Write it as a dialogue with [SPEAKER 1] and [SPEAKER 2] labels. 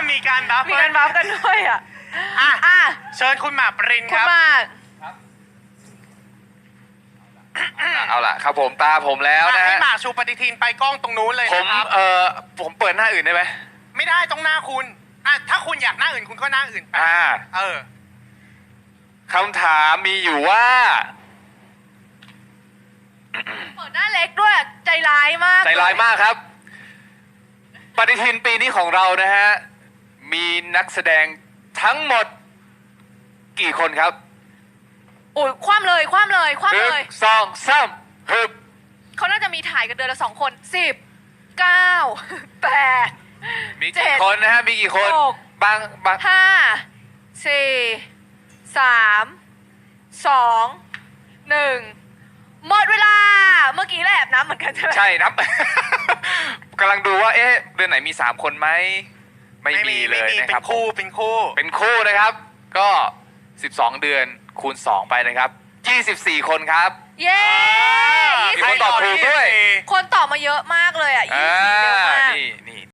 [SPEAKER 1] มีการบัฟ
[SPEAKER 2] มีการบัฟกันด้วยอ่ะ
[SPEAKER 1] อ่ะเชิญคุณหมากปริน
[SPEAKER 2] คุ
[SPEAKER 1] ค
[SPEAKER 2] ณ
[SPEAKER 1] รับ
[SPEAKER 2] มาก
[SPEAKER 3] เอาล่ะครับผมตาผมแล้วนะ
[SPEAKER 1] ให้
[SPEAKER 3] ฮะ
[SPEAKER 1] หมากชูปฏิทินไปกล้องตรงนู้นเลย
[SPEAKER 3] ผม
[SPEAKER 1] นะครับ
[SPEAKER 3] ผมเปิดหน้าอื่นได้ไหม
[SPEAKER 1] ไม่ได้ต้องหน้าคุณถ้าคุณอยากหน้าอื่นคุณก็หน้าอื่นไปเออ
[SPEAKER 3] คำถามมีอยู่ว่า
[SPEAKER 2] เปิดหน้าเล็กด้วยใจร้ายมาก
[SPEAKER 3] ใจร้ายมากครับ ปฏิทินปีนี้ของเรานะฮะ มีนักแสดงทั้งหมดกี่คนครับ
[SPEAKER 2] โอ้ยคว่ำเลย
[SPEAKER 3] หนึ่ง
[SPEAKER 2] 1
[SPEAKER 3] สองสามฮึบ
[SPEAKER 2] เขาน่าจะมีถ่ายกันเดือนละ2 คน10 9 8
[SPEAKER 3] มีกี่คนนะฮะ มีกี่คน
[SPEAKER 2] หก
[SPEAKER 3] บาง
[SPEAKER 2] 5 4 3 2 1หมดเวลาเมื่อกี้แหละแอบนับเหมือนกันใช่ไหม
[SPEAKER 3] ใช่นับ กำลังดูว่าเอ๊ะเดือนไหนมี3คนไหมไม่มีเลยนะ
[SPEAKER 1] เป็
[SPEAKER 3] ครับ
[SPEAKER 1] นคู่เป็นคู่
[SPEAKER 3] เป็นคู่นะครับ ก็ 12 เดือนคูณ 2 ไปนะครับ 24 คนครับ
[SPEAKER 2] เย้
[SPEAKER 3] มีคนตอบถูกด้วย
[SPEAKER 2] คนตอบมาเยอะมากเลยอ่ะ24เยอะมาก
[SPEAKER 3] นี่